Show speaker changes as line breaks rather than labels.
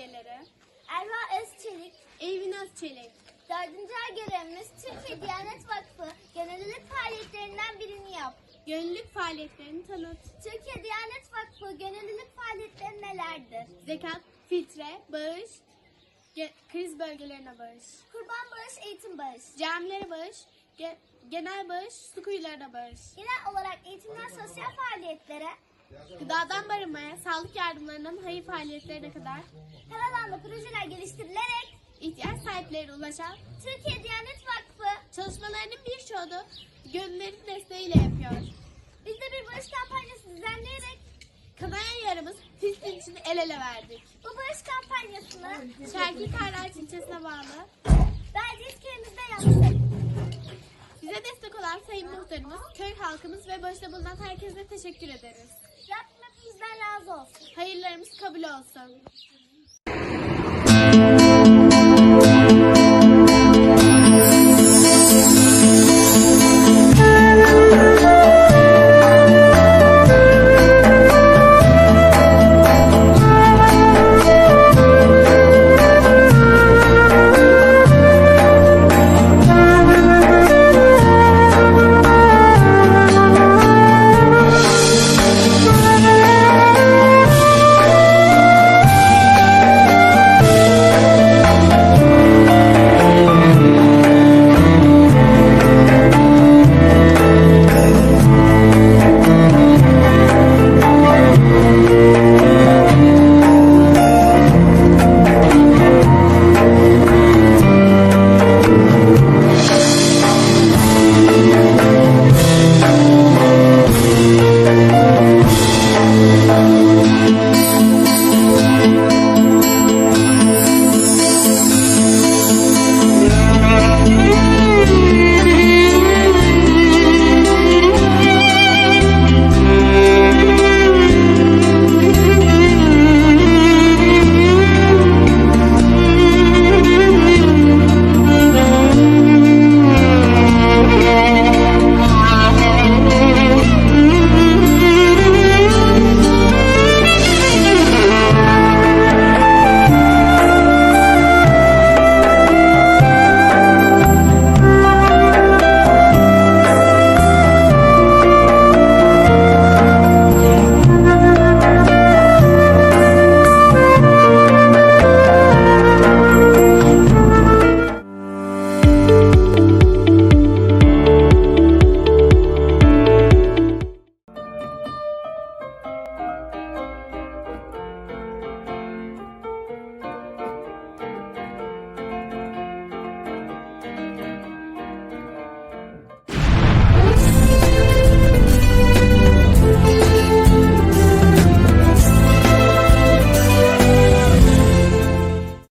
üyeleri.
Erva Özçelik.
Evin Özçelik.
4. ay görevimiz Türkiye Diyanet Vakfı gönüllülük faaliyetlerinden birini yap.
Gönüllülük faaliyetlerini tanıt.
Türkiye Diyanet Vakfı gönüllülük faaliyetleri nelerdir?
Zekat, fitre, bağış, kriz bölgelerine bağış.
Kurban bağış, eğitim bağış.
Camilere bağış, genel bağış, su kuyularına bağış.
Genel olarak eğitimden sosyal faaliyetlere,
Gıdadan barınmaya, sağlık yardımlarından hayır faaliyetlerine kadar
her alanda projeler geliştirilerek
ihtiyaç sahiplerine ulaşan
Türkiye Diyanet Vakfı
çalışmalarının birçoğunu gönüllerin desteğiyle yapıyor.
biz de bir bağış kampanyası düzenleyerek
Kanayan yaramız Filistin için el ele verdik.
bu bağış kampanyasını
Şerki Karlar ilçesine bağlı.
Belediye köyümüzde yaptık.
Bize destek olan Sayın Muhtarımız, köy halkımız ve başta bulunan herkese teşekkür ederiz.
Rabbim hepimizden razı olsun.
Hayırlarımız kabul olsun.